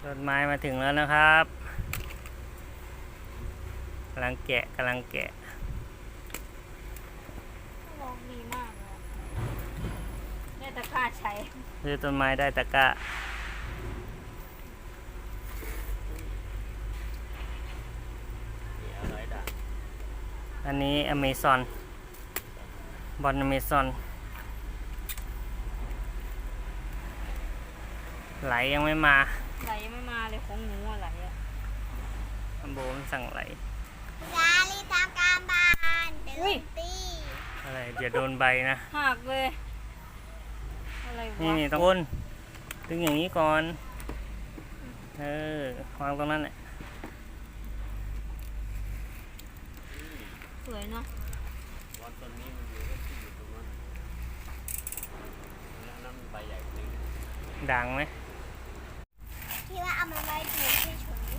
รถไม้มาถึงแล้วนะครับกำลังแกะลองดีมากเลยได้ตะกร้าใช้ซื้อต้นไม้ได้ตะกร้าอันนี้อเมซอนบอลอเมซอนไหลยังไม่มาไหลไม่มาเลยของหนูอะไรอ่ะอัมโบมันสั่งไหลยาลีทำการบ้านเดินตีอะไรเดี๋ยวโดนใบนะหักเลยอะไรวะนี่ต้องวนดึงอย่างนี้ก่อนวางตรงนั้นแหละสวยเนาะบอลต้นนี้มันอยู่ที่อยู่ตรงนั้นแล้วน้ำใบใหญ่กว่านี้ด่างไหมที่ว่าเอามาไว้ปลูกเฉย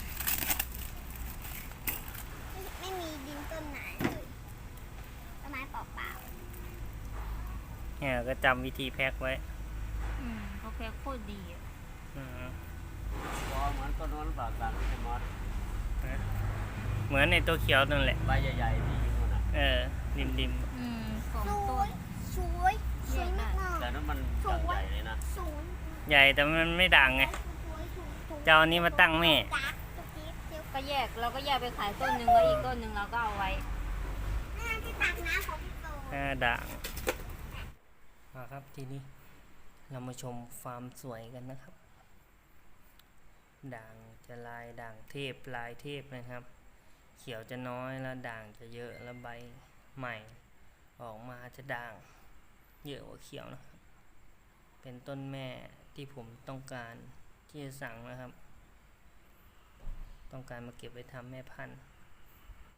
ๆไม่มีดินต้นไหนเลยต้นไม้เปล่าเนี่ยก็จำวิธีแพ็คไว้เขาแพ็คโคตรดีอ่ะพอเหมือนต้นนั้นปากกันใช่ไหมเหมือนในตัวเขียวนั่นแหละใบใหญ่ๆที่อยู่นั่นน่ะริมสองๆสต้วน ยสวยสวยมากแต่นั้นมันใหญ่เลยนะสวยใหญ่แต่มันไม่ด่างไงสวยเจ้านี้มาตั้งแม่จ๊ะตุ๊กติ๊กเดี๋ยวก็แยกเราก็แยกไปขายต้นหนึ่งแล้วอีกต้นหนึ่งเราก็เอาไว้น่าจะตักน้ำของพี่โตด่างมาครับทีนี้เรามาชมฟาร์มสวยกันนะครับด่างจะลายด่างเทพลายเทพนะครับเขียวจะน้อยแล้วด่างจะเยอะแล้วใบใหม่ออกมาจะด่างเยอะกว่าเขียวนะครับเป็นต้นแม่ที่ผมต้องการที่จะสั่งนะครับต้องการมาเก็บไว้ทำแม่พันธุ์